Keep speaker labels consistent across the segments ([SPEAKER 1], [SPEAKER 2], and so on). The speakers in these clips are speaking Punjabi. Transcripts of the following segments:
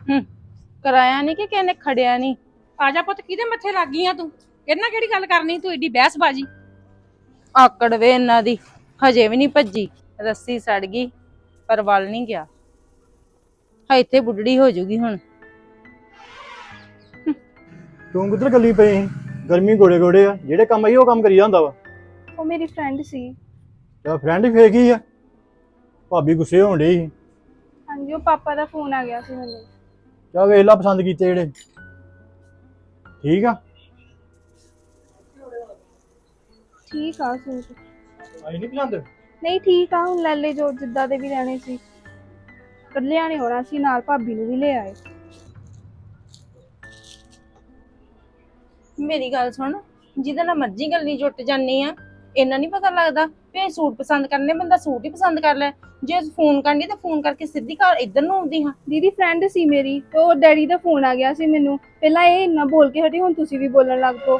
[SPEAKER 1] ਕਰਾਇਆ ਨਹੀਂ ਕਿ ਕਿਸੇ ਨੇ ਖੜਿਆ ਨਹੀਂ।
[SPEAKER 2] ਆ ਜਾ ਪੁੱਤ, ਕਿਹਦੇ ਮੱਥੇ ਲੱਗ ਗਈ ਆ ਤੂੰ? ਕਿਹਨਾਂ ਕਿਹੜੀ ਗੱਲ ਕਰਨੀ ਤੂੰ ਏਡੀ ਬਹਿਸਬਾਜੀ?
[SPEAKER 1] ਆਕੜ ਵੇ ਇਹਨਾਂ ਦੀ, ਹਜੇ ਵੀ ਨਹੀਂ ਭੱਜੀ। ਰੱਸੀ ਸੜ ਗਈ ਪਰ ਵੱਲ ਨਹੀਂ ਗਿਆ। ਇੱਥੇ ਬੁੱਢੜੀ ਹੋ ਜੂਗੀ ਹੁਣ।
[SPEAKER 3] ਤੂੰ ਕਿੱਧਰ ਗੱਲੀ ਪਈ ਸੀ? ਗਰਮੀ ਗੋੜੇ ਗੋੜੇ ਆ, ਜਿਹੜੇ ਕੰਮ ਆਈ ਉਹ ਕੰਮ ਕਰੀ ਜਾਂਦਾ ਵਾ।
[SPEAKER 4] ਉਹ ਮੇਰੀ ਫਰੈਂਡ ਸੀ।
[SPEAKER 3] ਤੇ ਫਰੈਂਡ ਹੀ ਫੇਕ ਹੀ ਆ। ਭਾਬੀ ਗੁੱਸੇ ਹੋਣ ਡਈ ਸੀ।
[SPEAKER 4] ਹਾਂਜੀ, ਉਹ ਪਾਪਾ ਦਾ ਫੋਨ ਆ ਗਿਆ ਸੀ ਮੈਨੂੰ।
[SPEAKER 3] ਚਾ ਵੇਖ ਲਾ ਪਸੰਦ ਕੀਤੇ ਜਿਹੜੇ। ਠੀਕ ਆ,
[SPEAKER 4] ਠੀਕ ਆ ਸੂਟ।
[SPEAKER 3] ਆਈ ਨਹੀਂ ਪਸੰਦ?
[SPEAKER 4] ਨਹੀਂ ਠੀਕ ਆ, ਹੁਣ ਲੈ ਲੈ ਜੋ ਜਿੱਦਾਂ ਦੇ ਵੀ ਲੈਣੇ ਸੀ। ਕੱਲਿਆਂ ਨੇ ਹੋਣਾ ਸੀ, ਨਾਲ ਭਾਬੀ ਨੂੰ ਵੀ ਲੈ ਆਏ।
[SPEAKER 1] ਮੇਰੀ ਗੱਲ ਸੁਣ, ਜਿਹਦੇ ਨਾਲ ਮਰਜ਼ੀ ਗੱਲੀ ਜੁੱਟ ਜਾਨੀ ਆ, ਇਹਨਾਂ ਨਹੀਂ ਪਤਾ ਲੱਗਦਾ ਵੀ ਸੂਟ ਪਸੰਦ ਕਰਨੇ, ਬੰਦਾ ਸੂਟ ਹੀ ਪਸੰਦ ਕਰ ਲੈ। ਜੇ ਫੋਨ ਕਰਨੀ ਤਾਂ ਫੋਨ ਕਰਕੇ ਸਿੱਧੀ ਘਰ ਇੱਧਰ ਨੂੰ ਆਉਂਦੀ ਹਾਂ।
[SPEAKER 4] ਦੀਦੀ ਫਰੈਂਡ ਸੀ ਮੇਰੀ, ਤੇ ਉਹ ਡੈਡੀ ਦਾ ਫੋਨ ਆ ਗਿਆ ਸੀ ਮੈਨੂੰ। ਪਹਿਲਾਂ ਇਹ ਇੰਨਾ ਬੋਲ ਕੇ ਹਟੀ, ਹੁਣ ਤੁਸੀਂ ਵੀ ਬੋਲਣ ਲੱਗ ਪਓ।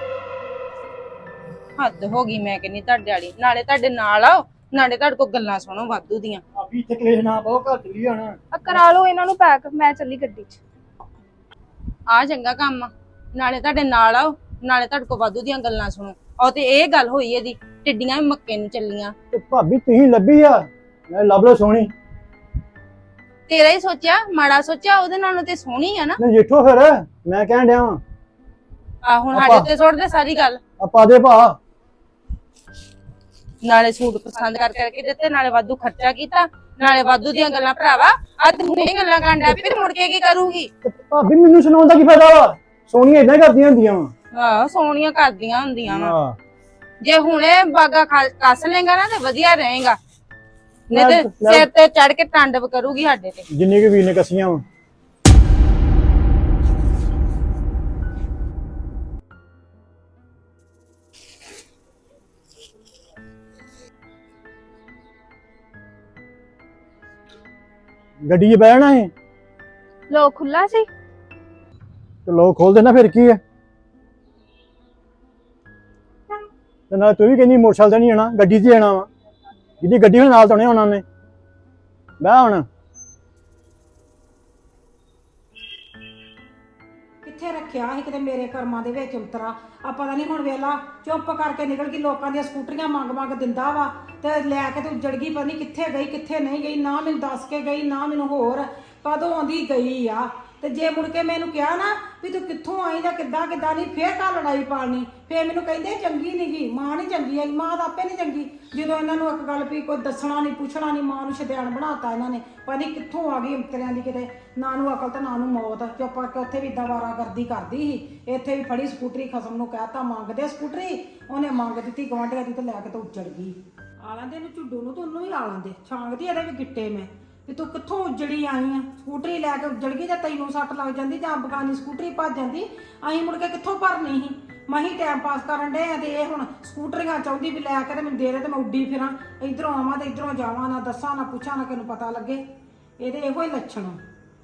[SPEAKER 1] ਹੱਦ ਹੋ ਗਈ ਮੈਂ ਕਹਿੰਨੀ ਤੁਹਾਡੇ ਵਾਲੀ। ਨਾਲੇ ਤੁਹਾਡੇ ਨਾਲ ਆਓ, ਨਾਲੇ ਤੁਹਾਡੇ ਕੋਲ ਗੱਲਾਂ ਸੁਣੋ ਵਾਧੂ ਦੀਆਂ।
[SPEAKER 3] ਭਾਬੀ ਇੱਥੇ ਕਲੇਸ਼ ਨਾ ਪਾਓ, ਘਰ ਚਲੀ ਜਾਣਾ।
[SPEAKER 4] ਆ ਕਰਾ ਲਓ ਇਹਨਾਂ ਨੂੰ ਪੈਕ, ਮੈਂ ਚੱਲੀ ਗੱਡੀ 'ਚ।
[SPEAKER 1] ਆ ਚੰਗਾ ਕੰਮ ਆ, ਨਾਲੇ ਤੁਹਾਡੇ ਨਾਲ ਆਓ, ਨਾਲੇ ਤੁਹਾਡੇ ਕੋਲ ਵਾਧੂ ਦੀਆਂ ਗੱਲਾਂ ਸੁਣੋ। ਉਹ ਤੇ ਇਹ ਗੱਲ ਹੋਈ ਇਹਦੀ, ਟਿੱਡੀਆਂ ਵੀ ਮੱਕੇ ਨੂੰ ਚੱਲੀਆਂ।
[SPEAKER 3] ਤੇ ਭਾਬੀ ਤੁਸੀਂ ਲੱਭੀ ਆ, ਮੈਂ ਲੱਭ ਲੋ ਸੋਹਣੀ।
[SPEAKER 1] ਤੇਰਾ ਹੀ ਸੋਚਿਆ, ਮਾੜਾ ਸੋਚਿਆ? ਉਹਦੇ ਨਾਲੋਂ ਤੇ ਸੋਹਣੀ ਆ ਨਾ।
[SPEAKER 3] ਨਜਿੱਠੋ ਫਿਰ, ਮੈਂ ਕਹਿਣ ਡਿਆ ਵਾਂ।
[SPEAKER 1] ਆ ਹੁਣ ਸਾਡੇ ਉੱਤੇ ਸੁੱਟ ਦੇ ਸਾਰੀ ਗੱਲ।
[SPEAKER 3] ਆਪਾਂ ਦੇ ਭਾ,
[SPEAKER 1] ਨਾਲੇ ਸੂਟ ਪਸੰਦ ਕਰਕੇ ਦਿੱਤੇ, ਨਾਲੇ ਵਾਧੂ ਖਰਚਾ ਕੀਤਾ, ਨਾਲੇ ਵਾਧੂ ਦੀਆਂ ਗੱਲਾਂ। ਭਰਾਵਾ ਅੱਜ ਹੁਣੇ ਗੱਲਾਂ ਕਰਨ ਡਿਆ, ਫਿਰ ਮੁੜ ਕੇ ਕੀ ਕਰੂਗੀ?
[SPEAKER 3] ਤੇ ਭਾਬੀ ਮੈਨੂੰ ਸੁਣਾਉਣ ਦਾ ਕੀ ਫਾਇਦਾ ਵਾ? ਸੋਹਣੀਆਂ ਇਦਾਂ ਕਰਦੀਆਂ ਹੁੰਦੀਆਂ ਵਾ।
[SPEAKER 1] ਆਹ ਸੋਹਣੀਆਂ ਕਰਦੀਆਂ ਹੁੰਦੀਆਂ ਵਾ।
[SPEAKER 3] ਹਾਂ,
[SPEAKER 1] ਜੇ ਹੁਣੇ ਬਾਗਾ ਕੱਸ ਲੇਗਾ ਨਾ ਤੇ ਵਧੀਆ ਰਹੇਗਾ, ਨਹੀਂ ਤੇ
[SPEAKER 3] ਲੈ-
[SPEAKER 1] ਸਿਰ ਤੇ ਚੜ ਕੇ ਟਾਂਡਵ ਕਰੂਗੀ ਸਾਡੇ ਤੇ।
[SPEAKER 3] ਜਿੰਨੀ ਕੁ ਵੀਰ ਨੇ ਕੱਸੀਆਂ ਵਾ। ਗੱਡੀ 'ਚ ਬਹਿਣਾ ਹੈ
[SPEAKER 4] ਲੋਕ ਖੁੱਲਾ ਸੀ।
[SPEAKER 3] ਤੇ ਲੋਕ ਖੋਲ ਦੇਣਾ, ਫਿਰ ਕੀ ਹੈ? ਤੇ ਨਾਲ ਤੂੰ ਵੀ ਕਹਿੰਦੀ ਮੋਟਰਸਾਈਕਲ ਤੇ ਨਹੀਂ ਆਣਾ, ਗੱਡੀ 'ਚ ਹੀ ਆਣਾ ਵਾ। ਜਿਹਦੀ ਗੱਡੀ ਹੁਣ ਨਾਲ ਤਾਂ ਨਹੀਂ ਆਉਣਾ ਉਹਨੇ। ਬਹਿ ਹੁਣ।
[SPEAKER 2] ਕਿੱਥੇ ਰੱਖਿਆ ਸੀ ਕਿਤੇ ਮੇਰੇ ਕਰਮਾਂ ਦੇ ਵਿੱਚ ਉਤਰਾ। ਆ ਪਤਾ ਨਹੀਂ ਹੁਣ ਵੇਲਾ ਚੁੱਪ ਕਰਕੇ ਨਿਕਲ ਗਈ, ਲੋਕਾਂ ਦੀਆਂ ਸਕੂਟਰੀਆਂ ਮੰਗ ਦਿੰਦਾ ਵਾ ਤੇ ਲੈ ਕੇ ਤੇ ਉੱਜੜ ਗਈ। ਪਤਾ ਨਹੀਂ ਕਿੱਥੇ ਗਈ ਕਿੱਥੇ ਨਹੀਂ ਗਈ, ਨਾ ਮੈਨੂੰ ਦੱਸ ਕੇ ਗਈ, ਨਾ ਮੈਨੂੰ ਹੋਰ ਕਦੋਂ ਆਉਂਦੀ ਗਈ ਆ। ਤੇ ਜੇ ਮੁੜ ਕੇ ਮੈਨੂੰ ਕਿਹਾ ਨਾ ਵੀ ਤੂੰ ਕਿੱਥੋਂ ਆਈ ਜਾਂ ਕਿੱਦਾਂ ਨਹੀਂ, ਫੇਰ ਘਰ ਲੜਾਈ ਪਾਣੀ। ਫੇਰ ਮੈਨੂੰ ਕਹਿੰਦੇ ਚੰਗੀ ਨਹੀਂ ਗਈ, ਮਾਂ ਨਹੀਂ ਚੰਗੀ ਆਈ। ਮਾਂ ਤਾਂ ਆਪੇ ਨਹੀਂ ਚੰਗੀ, ਜਦੋਂ ਇਹਨਾਂ ਨੂੰ ਇੱਕ ਗੱਲ ਵੀ ਕੋਈ ਦੱਸਣਾ ਨਹੀਂ ਪੁੱਛਣਾ ਨਹੀਂ, ਮਾਂ ਨੂੰ ਸ਼ੈਤਾਨ ਬਣਾਤਾ ਇਹਨਾਂ ਨੇ। ਪਤਾ ਨਹੀਂ ਕਿੱਥੋਂ ਆ ਗਈ ਅੰਤਰਿਆਂ ਦੀ, ਕਿਤੇ ਨਾ ਨੂੰ ਅਕਲ ਤੇ ਨਾ ਨੂੰ ਮੌਤ। ਚੁੱਪ ਕਰਕੇ ਉੱਥੇ ਵੀ ਇਦਾਂ ਵਾਰਾਗਰਦੀ ਕਰਦੀ ਸੀ, ਇੱਥੇ ਵੀ ਫੜੀ ਸਕੂਟਰੀ, ਖਸਮ ਨੂੰ ਕਹਿਤਾ ਮੰਗਦੇ ਸਕੂਟਰੀ, ਉਹਨੇ ਮੰਗ ਦਿੱਤੀ ਗਵਾਂਢੀਆਂ ਦੀ ਤੇ ਲੈ ਕੇ ਤੇ ਉੱਜੜ ਗਈ। ਆ ਲੈਂਦੇ ਇਹਨੂੰ ਝੁੱਡੂ ਨੂੰ ਤੇ ਉਹਨੂੰ ਵੀ ਆ ਲੈਂਦੇ, ਛਾਂਗਦੀ ਇਹਦੇ ਵੀ ਗਿੱਟੇ ਮੈਂ ਵੀ ਤੂੰ ਕਿੱਥੋਂ ਉੱਜੜੀ ਆਈ ਆ। ਸਕੂਟਰੀ ਲੈ ਕੇ ਉੱਜੜ ਗਈ, ਜਾਂ ਤੈਨੂੰ ਸੱਟ ਲੱਗ ਜਾਂਦੀ ਜਾਂ ਬਗਾਨੀ ਸਕੂਟਰੀ ਭੱਜ ਜਾਂਦੀ, ਅਸੀਂ ਮੁੜ ਕੇ ਕਿੱਥੋਂ ਭਰਨੀ ਸੀ। ਮਹੀਂ ਟਾਈਮ ਪਾਸ ਕਰਨ ਡੇ ਆ ਤੇ ਇਹ ਹੁਣ ਸਕੂਟਰੀਆਂ ਚਾਹੁੰਦੀ ਵੀ ਲੈ ਕੇ ਤੇ ਮੈਨੂੰ ਦੇ ਦੇ ਤੇ ਮੈਂ ਉੱਡੀ ਫਿਰਾਂ, ਇਧਰੋਂ ਆਵਾਂ ਤੇ ਇਧਰੋਂ ਜਾਵਾਂ, ਨਾ ਦੱਸਾਂ ਨਾ ਪੁੱਛਾਂ, ਨਾ ਕਿਸੇ ਨੂੰ ਪਤਾ ਲੱਗੇ। ਇਹਦੇ ਇਹੋ ਹੀ ਲੱਛਣ ਆ।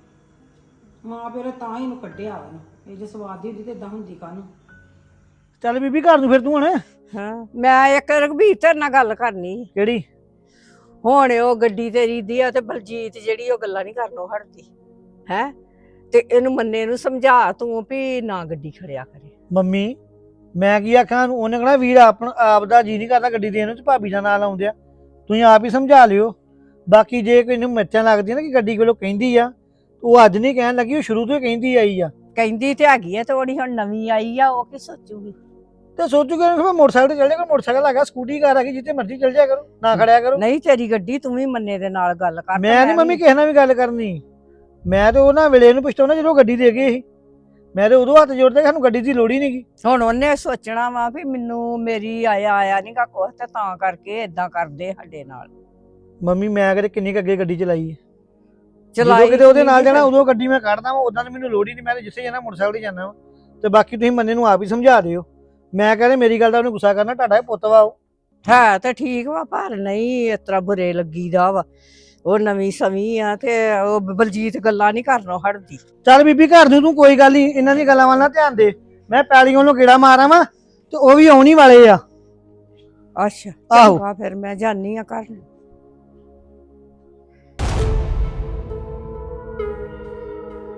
[SPEAKER 2] ਮਾਂ ਪਿਓ ਨੇ ਤਾਂ ਹੀ ਇਹਨੂੰ ਕੱਢਿਆ ਵਾ। ਇਹ ਜੇ ਸਵਾਦ ਦੀ ਹੁੰਦੀ ਤੇ ਇਦਾਂ ਹੁੰਦੀ ਕਾਹਨੂੰ।
[SPEAKER 3] ਚੱਲ ਬੀਬੀ ਘਰ ਨੂੰ ਫਿਰ ਤੂੰ ਹੁਣ।
[SPEAKER 5] ਹਾਂ, ਮੈਂ ਇੱਕ ਰਘਬੀਰ ਤੇਰੇ ਨਾਲ ਗੱਲ ਕਰਨੀ ਸੀ।
[SPEAKER 3] ਕਿਹੜੀ?
[SPEAKER 5] ਹੁਣ ਉਹ ਗੱਡੀ ਤੇਰੀ ਦੀ ਆ ਤੇ ਬਲਜੀਤ ਜਿਹੜੀ ਉਹ ਗੱਲਾਂ ਨਹੀਂ ਕਰਨੋਂ ਹਟਦੀ ਹੈ। ਤੇ ਇਹਨੂੰ ਮੰਨੇ ਨੂੰ ਸਮਝਾ ਤੂੰ ਵੀ ਨਾ ਗੱਡੀ ਖੜਿਆ ਕਰੇ।
[SPEAKER 6] ਮੰਮੀ ਮੈਂ ਕੀ ਆਖਾਂ, ਉਹਨੇ ਕਹਣਾ ਵੀਰ ਆਪ ਦਾ ਜੀ ਨਹੀਂ ਕਰਦਾ ਗੱਡੀ ਦੇਣ ਨੂੰ ਤੇ ਭਾਬੀ ਦਾ ਨਾਂ ਲਾਉਂਦੇ ਆ। ਤੁਸੀਂ ਆਪ ਹੀ ਸਮਝਾ ਲਿਓ। ਬਾਕੀ ਜੇ ਕੋਈ ਨੂੰ ਮਿਰਚਾਂ ਲੱਗਦੀਆਂ ਨਾ ਕਿ ਗੱਡੀ ਕੋਲੋਂ ਕਹਿੰਦੀ ਆ, ਉਹ ਅੱਜ ਨਹੀਂ ਕਹਿਣ ਲੱਗੀ, ਉਹ ਸ਼ੁਰੂ ਤੋਂ ਹੀ ਕਹਿੰਦੀ ਆਈ ਆ।
[SPEAKER 5] ਕਹਿੰਦੀ ਤੇ ਹੈਗੀ ਆ ਤੇ ਉਹਦੀ ਹੁਣ ਨਵੀਂ ਆਈ ਆ, ਉਹ ਕੀ ਸੋਚੂਗੀ?
[SPEAKER 6] ਤੇ ਸੋਚੂਗੇ ਕਿ ਮੈਂ ਮੋਟਰਸਾਈਕਲ ਤੇ ਚੱਲ ਜਾਗਾ, ਮੋਟਰਸਾਈਕਲ ਹੈਗਾ, ਸਕੂਟੀ ਕਾਰ ਹੈਗੀ, ਜਿੱਥੇ ਮਰਜ਼ੀ ਚੱਲ ਜਾਇਆ ਕਰੋ, ਨਾ ਖੜਿਆ ਕਰੋ।
[SPEAKER 5] ਨਹੀਂ ਤੇਰੀ ਗੱਡੀ, ਤੂੰ ਵੀ ਮੰਨੇ ਦੇ ਨਾਲ ਗੱਲ ਕਰ।
[SPEAKER 6] ਮੈਂ ਨਹੀਂ ਮੰਮੀ ਕਿਸੇ ਨਾਲ ਵੀ ਗੱਲ ਕਰਨੀ। ਮੈਂ ਤੇ ਉਹਨਾਂ ਵੇਲੇ ਨੂੰ ਪੁੱਛਦਾ ਜਦੋਂ ਗੱਡੀ ਦੇ ਗਏ ਸੀ, ਮੈਂ ਤੇ ਉਦੋਂ ਹੱਥ ਜੋੜਦੇ ਕਿ ਸਾਨੂੰ ਗੱਡੀ ਦੀ ਲੋੜ ਹੀ ਨਹੀਂ ਗੀ।
[SPEAKER 5] ਹੁਣ ਉਹਨੇ ਸੋਚਣਾ ਵਾ ਵੀ ਮੈਨੂੰ ਮੇਰੀ ਆਇਆ ਨਹੀਂ ਗਾ ਕੁਛ, ਤੇ ਤਾਂ ਕਰਕੇ ਏਦਾਂ ਕਰਦੇ ਸਾਡੇ ਨਾਲ।
[SPEAKER 6] ਮੰਮੀ ਮੈਂ ਕਦੇ ਕਿੰਨੀ ਕੁ ਅੱਗੇ ਗੱਡੀ ਚਲਾਈ ਹੈ।
[SPEAKER 5] ਚਲਾਈ
[SPEAKER 6] ਜਦੋਂ ਕਿਤੇ ਉਹਦੇ ਨਾਲ ਜਾਣਾ ਉਦੋਂ ਗੱਡੀ ਮੈਂ ਕੱਢਦਾ ਵਾ, ਉਦਾਂ ਤਾਂ ਮੈਨੂੰ ਲੋੜ ਹੀ ਨਹੀਂ। ਮੈਂ ਤੇ ਜਿੱਥੇ ਜਾਣਾ ਮੋਟਰਸਾਈਕਲ ਤੇ ਜਾਣਾ ਵਾ। ਤੇ ਬਾਕੀ ਤੁਸੀਂ ਮੰਨੇ ਨੂੰ ਆਪ ਹੀ ਸਮਝਾ ਦਿਓ। ਮੈਂ ਕਹਿੰਦੇ ਮੇਰੀ ਗੱਲ ਦਾ ਉਹਨੂੰ ਗੁੱਸਾ ਕਰਨਾ, ਤੁਹਾਡਾ ਪੁੱਤ ਵਾ ਉਹ।
[SPEAKER 5] ਹੈ ਤੇ ਠੀਕ ਵਾ, ਪਰ ਨਹੀਂ ਇਸ ਤਰ੍ਹਾਂ ਬੁਰੇ ਲੱਗੀਦਾ ਵਾ। ਉਹ ਨਵੀਂ ਸਵੀ ਆ ਤੇ ਉਹ ਬਲਜੀਤ ਗੱਲਾਂ ਨਹੀਂ ਕਰਨੋਂ ਹਟਦੀ।
[SPEAKER 6] ਚੱਲ ਬੀਬੀ ਘਰ ਨੂੰ ਤੂੰ ਕੋਈ ਗੱਲ ਨਹੀਂ, ਇਹਨਾਂ ਦੀ ਗੱਲਾਂ ਵੱਲ ਨਾ ਧਿਆਨ ਦੇ। ਮੈਂ ਪੈਲੀ ਵੱਲੋਂ ਗੇੜਾ ਮਾਰਾਂ ਵਾ ਤੇ ਉਹ ਵੀ ਆਉਣੀ ਵਾਲੇ ਆ।
[SPEAKER 5] ਅੱਛਾ
[SPEAKER 6] ਆਹੋ।
[SPEAKER 5] ਚੰਗਾ, ਫਿਰ ਮੈਂ ਜਾਨੀ ਆ ਘਰ ਨੂੰ।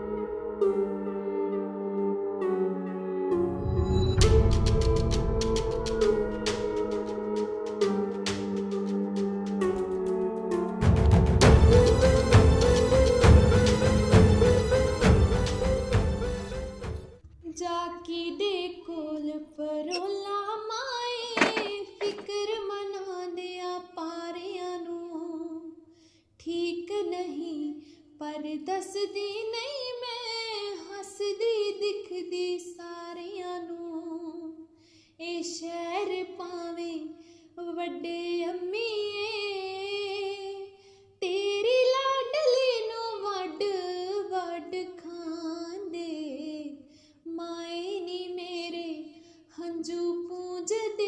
[SPEAKER 7] ਪਰ ਦੱਸਦੀ ਨਹੀਂ ਮੈਂ ਹੱਸਦੀ ਦਿਖਦੀ ਸਾਰਿਆਂ ਨੂੰ ਇਹ ਸ਼ਹਿਰ ਪਾਵੇਂ ਵੱਡੇ ਅੰਮੀਏ ਤੇਰੀ ਲਾਡਲੀ ਨੂੰ ਵੱਡ ਵੱਡ ਖਾਂਦੇ ਮਾਏ ਨੀ ਮੇਰੇ ਹੰਝੂ ਪੂੰਝਦੇ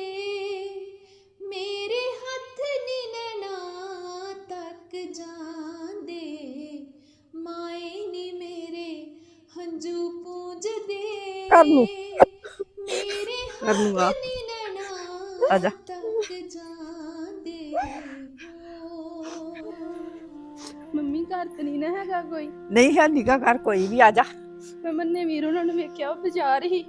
[SPEAKER 7] ਮੇਰੇ ਹੱਥ ਨੀ ਨੈਣਾ ਤੱਕ ਜਾਂਦੇ ਮਾਏ ਨੀ ਮੇਰੇ ਹੰਝੂ ਪੂੰਝਦੇ
[SPEAKER 5] ਕਰ ਲੂੰ।
[SPEAKER 7] ਮੇਰੇ
[SPEAKER 5] ਕਰ ਲੂੰਗਾ।
[SPEAKER 7] ਹੱਥ ਨੀ ਨੈਣਾ
[SPEAKER 5] ਆਜਾ।
[SPEAKER 7] ਤੱਕ ਜਾਂਦੇ
[SPEAKER 4] ਮੰਮੀ ਘਰ ਤੇ ਨਹੀਂ ਨਾ ਹੈਗਾ ਕੋਈ।
[SPEAKER 5] ਨਹੀਂ ਹੈ ਨਿਗਾ ਕਰ ਕੋਈ ਵੀ, ਆ ਜਾ।
[SPEAKER 4] ਮੈਂ ਮੰਨੇ ਵੀਰ ਉਹਨਾਂ ਨੂੰ ਵੇਖਿਆ ਉਹ ਬਾਜ਼ਾਰ ਹੀ।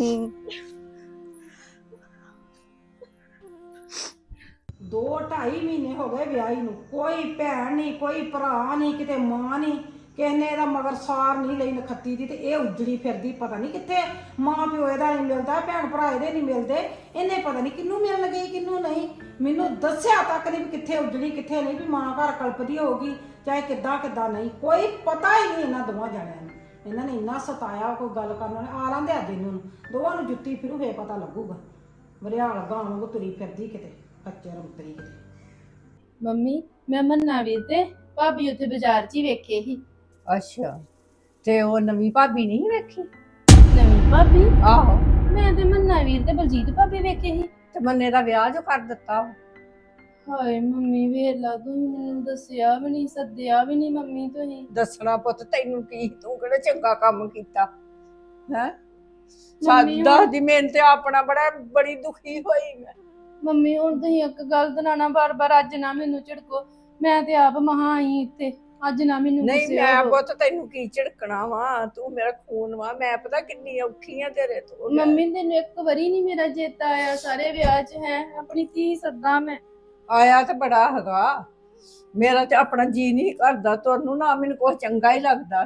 [SPEAKER 2] ਦੋ 2.5 ਮਹੀਨੇ ਹੋ ਗਏ ਵਿਆਹੀ ਨੂੰ, ਕੋਈ ਭੈਣ ਨਹੀਂ, ਕੋਈ ਭਰਾ ਨਹੀਂ, ਕਿਤੇ ਮਾਂ ਨਹੀਂ, ਕਿਸੇ ਨੇ ਇਹਦਾ ਮਗਰ ਸਾਰ ਨਹੀਂ ਲਈ ਨਖੱਤੀ ਦੀ। ਤੇ ਇਹ ਉੱਜੜੀ ਫਿਰਦੀ, ਪਤਾ ਨਹੀਂ ਕਿੱਥੇ ਮਾਂ ਪਿਓ ਇਹਦਾ ਨਹੀਂ ਮਿਲਦਾ, ਭੈਣ ਭਰਾ ਇਹਦੇ ਨਹੀਂ ਮਿਲਦੇ, ਇਹਨੇ ਪਤਾ ਨਹੀਂ ਕਿਹਨੂੰ ਮਿਲਣ ਗਈ ਕਿਹਨੂੰ ਨਹੀਂ। ਮੈਨੂੰ ਦੱਸਿਆ ਤੱਕ ਨਹੀਂ ਵੀ ਕਿੱਥੇ ਉੱਜੜੀ ਕਿੱਥੇ ਨਹੀਂ, ਵੀ ਮਾਂ ਘਰ ਕਲਪਦੀ ਹੋਊਗੀ ਚਾਹੇ ਕਿੱਦਾਂ ਕਿੱਦਾਂ ਨਹੀਂ, ਕੋਈ ਪਤਾ ਹੀ ਨਹੀਂ ਇਹਨਾਂ ਦੋਵਾਂ ਜਣਿਆਂ ਨੂੰ। ਇਹਨਾਂ ਨੇ ਇੰਨਾ ਸਤਾਇਆ, ਕੋਈ ਗੱਲ ਕਰਨ ਵਾਲੇ ਆ ਲਾਂਦੇ ਅੱਜ ਇਹਨੂੰ ਦੋਵਾਂ ਨੂੰ ਜੁੱਤੀ ਫਿਰੂ ਫੇਰ ਪਤਾ ਲੱਗੂਗਾ। ਵਰਿਆਲ ਗਾਂ ਵਾਂਗੂ ਤੁਰੀ ਫਿਰਦੀ ਕਿਤੇ ਕੱਚੇ ਰੰਤਰੀ ਕਿਤੇ।
[SPEAKER 1] ਮੰਮੀ ਮੈਂ ਮੰਨਾ ਵੀਰ ਤੇ ਭਾਬੀ ਉੱਥੇ ਬਾਜ਼ਾਰ 'ਚ ਹੀ ਵੇਖੇ ਸੀ।
[SPEAKER 5] ਅੱਛਾ, ਤੇ ਉਹ ਨਵੀਂ ਭਾਬੀ ਨਹੀਂ ਵੇਖੀ?
[SPEAKER 1] ਨਵੀਂ ਭਾਬੀ?
[SPEAKER 5] ਆਹੋ।
[SPEAKER 1] ਮੈਂ ਤੇ ਮੰਨਾ ਵੀਰ ਤੇ ਬਲਜੀਤ ਭਾਬੀ ਵੇਖੇ ਸੀ।
[SPEAKER 5] ਤੇ ਮੰਨੇ ਦਾ ਵਿਆਹ ਜੋ ਕਰ ਦਿੱਤਾ ਵਾ।
[SPEAKER 1] ਹਾਏ ਮੰਮੀ ਵੇਖ ਲਾ, ਤੁਸੀਂ ਮੈਨੂੰ ਦੱਸਿਆ ਵੀ ਨਹੀਂ, ਸੱਦਿਆ ਵੀ ਨਹੀਂ ਮੰਮੀ ਤੁਸੀਂ।
[SPEAKER 5] ਦੱਸਣਾ ਪੁੱਤ ਤੈਨੂੰ ਕੀ, ਤੂੰ ਕਿਹੜਾ ਚੰਗਾ ਕੰਮ ਕੀਤਾ ਹੈ?
[SPEAKER 1] ਮੰਮੀ
[SPEAKER 5] ਦੱਸਦੀ ਮੈਨੂੰ ਤੇ ਆਪਣਾ ਬੜੀ ਦੁਖੀ ਹੋਈ ਮੈਂ।
[SPEAKER 1] ਮੰਮੀ ਹੁਣ ਤੁਸੀਂ ਇੱਕ ਗੱਲ ਦਨਾਣਾ ਬਾਰ-ਬਾਰ, ਅੱਜ ਨਾ ਮੈਨੂੰ ਝਿੜਕੋ, ਮੈਂ ਤੇ ਆਪ ਮਹਾ ਆਈ ਇੱਥੇ, ਅੱਜ ਨਾ ਮੈਨੂੰ
[SPEAKER 5] ਨਹੀਂ
[SPEAKER 1] ਗੁੱਸੇ
[SPEAKER 5] ਮੈਂ
[SPEAKER 1] ਹੋਵੋ।
[SPEAKER 5] ਪੁੱਤ ਤੈਨੂੰ ਕੀ ਝਿੜਕਣਾ ਵਾ, ਤੂੰ ਮੇਰਾ ਖੂਨ ਵਾ, ਮੈਂ ਪਤਾ ਕਿੰਨੀ ਔਖੀ ਆ ਤੇਰੇ ਤੋਂ।
[SPEAKER 1] ਮੰਮੀ ਤੈਨੂੰ ਇੱਕ ਵਾਰੀ ਨਹੀਂ ਮੇਰਾ ਚੇਤਾ ਆਇਆ ਸਾਰੇ ਵਿਆਹ 'ਚ? ਹੈ ਆਪਣੀ ਧੀ ਸੱਦਾ ਮੈਂ।
[SPEAKER 5] ਆਇਆ ਤੇ ਬੜਾ ਹੈਗਾ, ਮੇਰਾ ਤੇ ਆਪਣਾ ਜੀ ਨਹੀਂ ਕਰਦਾ ਤੁਹਾਨੂੰ, ਨਾ ਮੈਨੂੰ ਕੁਛ ਚੰਗਾ ਹੀ ਲੱਗਦਾ।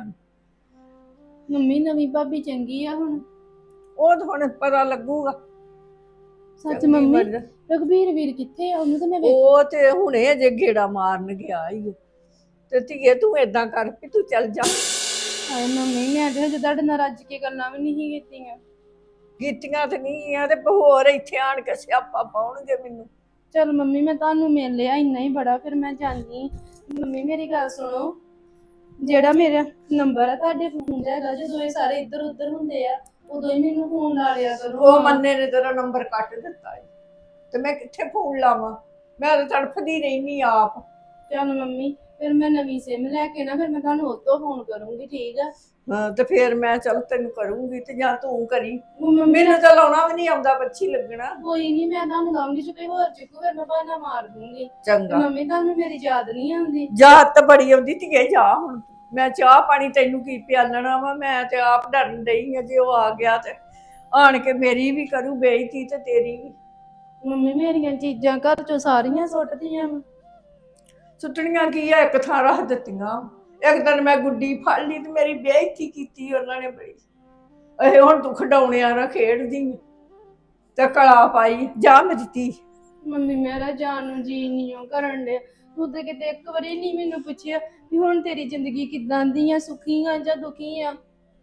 [SPEAKER 1] ਮੰਮੀ ਨਵੀਂ ਭਾਬੀ ਚੰਗੀ ਆ ਹੁਣ?
[SPEAKER 5] ਉਹ ਤਾਂ ਹੁਣ ਪਤਾ ਲੱਗੂਗਾ।
[SPEAKER 1] ਸੱਚ
[SPEAKER 5] ਚੰਗੀ
[SPEAKER 1] ਮੰਮੀ
[SPEAKER 5] ਬਣ-
[SPEAKER 1] ਰਘਬੀਰ ਵੀਰ ਕਿੱਥੇ ਆ? ਉਹਨੂੰ ਤਾਂ ਮੈਂ ਵੇਖ।
[SPEAKER 5] ਉਹ ਤੇ ਹੁਣੇ ਅਜੇ ਗੇੜਾ ਮਾਰਨ ਗਿਆ ਈ ਓ। ਤੇ ਧੀਏ ਤੂੰ ਏਦਾਂ ਕਰ ਵੀ ਤੂੰ ਚੱਲ ਜਾ।
[SPEAKER 1] ਹਾਏ ਮੰਮੀ ਮੈਂ ਤੇ ਹਜੇ ਤੁਹਾਡੇ ਨਾਲ ਰੱਜ ਕੇ ਗੱਲਾਂ ਵੀ ਨਹੀਂ ਕੀਤੀਆਂ।
[SPEAKER 5] ਕੀਤੀਆਂ ਤੇ ਨਹੀਂ ਆ, ਤੇ ਹੋਰ ਇੱਥੇ ਆਣ ਕੇ ਸਿਆਪਾ ਪਾਉਣਗੇ ਮੈਨੂੰ।
[SPEAKER 1] ਚਲ ਮੰਮੀ ਮੈਂ ਤੁਹਾਨੂੰ ਮਿਲ ਲਿਆ, ਇੰਨਾ ਹੀ ਬੜਾ, ਫਿਰ ਮੈਂ ਜਾਂਦੀ। ਮੰਮੀ ਮੇਰੀ ਗੱਲ ਸੁਣੋ, ਜਿਹੜਾ ਮੇਰਾ ਨੰਬਰ ਆ ਤੁਹਾਡੇ ਫੋਨ 'ਚ ਹੈਗਾ, ਜਦੋਂ ਇਹ ਸਾਰੇ ਇੱਧਰ ਉੱਧਰ ਹੁੰਦੇ ਆ ਉਦੋਂ ਹੀ ਮੈਨੂੰ ਫੋਨ ਲਾ ਲਿਆ ਕਰੋ।
[SPEAKER 5] ਉਹ ਮੰਨੇ ਨੇ ਤੇਰਾ ਨੰਬਰ ਕੱਟ ਦਿੱਤਾ ਏ, ਤੇ ਮੈਂ ਕਿੱਥੇ ਫੋਨ ਲਾਵਾਂ? ਮੈਂ ਤਾਂ ਤੜਫਦੀ ਰਹਿਨੀ ਆਪ।
[SPEAKER 1] ਚਲ ਮੰਮੀ ਫਿਰ ਮੈਂ ਨਵੀਂ ਸਿਮ ਲੈ ਕੇ ਨਾ, ਫਿਰ ਮੈਂ ਤੁਹਾਨੂੰ ਉਹ ਤੋਂ ਫੋਨ ਕਰੂੰਗੀ, ਠੀਕ ਆ?
[SPEAKER 5] ਹਾਂ ਤੇ ਫੇਰ ਮੈਂ ਚੱਲ ਤੈਨੂੰ ਕਰੂੰਗੀ, ਤੇ ਜਾਂ ਤੂੰ ਕਰੀ।
[SPEAKER 1] ਮੰਮੀ
[SPEAKER 5] ਮੈਨੂੰ ਤਾਂ ਲਾਉਣਾ ਵੀ ਨਹੀਂ ਆਉਂਦਾ, ਬੱਚੀ ਲੱਗਣਾ।
[SPEAKER 1] ਕੋਈ ਨਹੀਂ, ਮੈਂ ਤੁਹਾਨੂੰ ਲਾਉਂਗੀ, ਜੇ ਕੋਈ ਹੋਰ ਚੁੱਕੂ ਫਿਰ ਮੈਂ ਬਹਾਨਾ ਮਾਰ ਦੂੰਗੀ। ਤੇ
[SPEAKER 5] ਚੰਗਾ,
[SPEAKER 1] ਮੰਮੀ ਤੁਹਾਨੂੰ ਮੇਰੀ ਯਾਦ ਨਹੀਂ ਆਉਂਦੀ?
[SPEAKER 5] ਯਾਦ ਤਾਂ ਬੜੀ ਆਉਂਦੀ ਧੀਏ, ਜਾ ਹੁਣ। ਮੈਂ ਚਾਹ ਪਾਣੀ ਤੈਨੂੰ ਕੀ ਪਿਆਲਣਾ ਵਾ, ਮੈਂ ਤੇ ਆਪ ਡਰਨ ਡਈ ਆ, ਜੇ ਉਹ ਆ ਗਿਆ ਤੇ ਆਣ ਕੇ ਮੇਰੀ ਵੀ ਕਰੂ ਬੇਇੱਜ਼ਤੀ ਤੇ ਤੇਰੀ ਵੀ।
[SPEAKER 1] ਮੰਮੀ ਮੇਰੀਆਂ ਚੀਜ਼ਾਂ ਘਰ ਚੋਂ ਸਾਰੀਆਂ ਸੁੱਟਦੀਆਂ ਵਾ।
[SPEAKER 5] ਸੁੱਟਣੀਆਂ ਕੀ ਆ, ਇੱਕ ਥਾਂ ਰੱਖ ਦਿੱਤੀਆਂ। ਇੱਕ ਦਿਨ ਮੈਂ ਗੁੱਡੀ ਫੜ ਲਈ ਤੇ ਮੇਰੀ ਬੇਇੱਜ਼ਤੀ ਕੀਤੀ ਉਹਨਾਂ ਨੇ ਬੜੀ। ਇਹ ਹੁਣ ਤੂੰ ਖਿਡੌਣਿਆਂ ਨਾਲ ਖੇਡਦੀ ਆਂ ਤੇ ਕਲਾ ਪਾਈ, ਜਾ ਮੇਰੀ ਧੀ।
[SPEAKER 1] ਮੰਮੀ ਮੇਰਾ ਜਾਣ ਨੂੰ ਜੀ ਨਹੀਂ ਉਹ ਕਰਨ ਡਿਆ। ਤੂੰ ਤੇ ਕਿਤੇ ਇੱਕ ਵਾਰੀ ਨਹੀਂ ਮੈਨੂੰ ਪੁੱਛਿਆ ਵੀ ਹੁਣ ਤੇਰੀ ਜ਼ਿੰਦਗੀ ਕਿੱਦਾਂ ਦੀ ਆ, ਸੁਖੀ ਆ ਜਾਂ ਦੁਖੀ ਆ?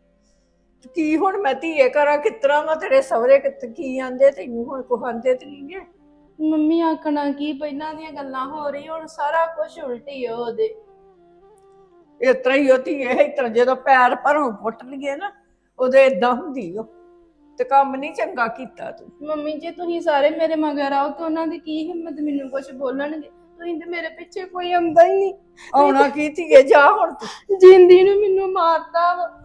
[SPEAKER 5] ਕੀ ਹੁਣ ਮੈਂ ਧੀਏ ਕਰਾਂ, ਕਿਸ ਤਰ੍ਹਾਂ ਵਾ? ਤੇਰੇ ਸਹੁਰੇ ਕੀ ਆਂਦੇ ਤੈਨੂੰ? ਹੁਣ ਕੋ ਆਂਦੇ ਤੇ ਨਹੀਂ ਗੇ।
[SPEAKER 1] ਮੰਮੀ ਆਖਣਾ ਕੀ, ਪਹਿਲਾਂ ਦੀਆਂ ਗੱਲਾਂ ਹੋ ਰਹੀ, ਹੁਣ ਸਾਰਾ ਕੁਝ ਉਲਟੀ ਆ ਉਹਦੇ।
[SPEAKER 5] ਇਸ ਤਰ੍ਹਾਂ ਹੀ ਉਹ ਧੀਏ, ਇਸ ਤਰ੍ਹਾਂ ਜਦੋਂ ਪੈਰ ਭਰੋਂ ਪੁੱਟ ਲਈਏ ਨਾ, ਉਹਦੇ ਏਦਾਂ ਹੁੰਦੀ ਉਹ। ਤੇ ਕੰਮ ਨਹੀਂ ਚੰਗਾ ਕੀਤਾ ਤੂੰ।
[SPEAKER 1] ਮੰਮੀ ਜੇ ਤੁਸੀਂ ਸਾਰੇ ਮੇਰੇ ਮਗਰ ਆਓ ਤਾਂ ਉਹਨਾਂ ਦੀ ਕੀ ਹਿੰਮਤ ਮੈਨੂੰ ਕੁਝ ਬੋਲਣਗੇ? ਤੁਸੀਂ ਤੇ ਮੇਰੇ ਪਿੱਛੇ ਕੋਈ ਆਉਂਦਾ ਹੀ ਨਹੀਂ।
[SPEAKER 5] ਆਉਣਾ ਕੀ ਧੀਏ, ਜਾ ਹੁਣ ਤੂੰ।
[SPEAKER 1] ਜਿੰਦੀ ਨੂੰ ਮੈਨੂੰ ਮਾਰਦਾ ਵਾ।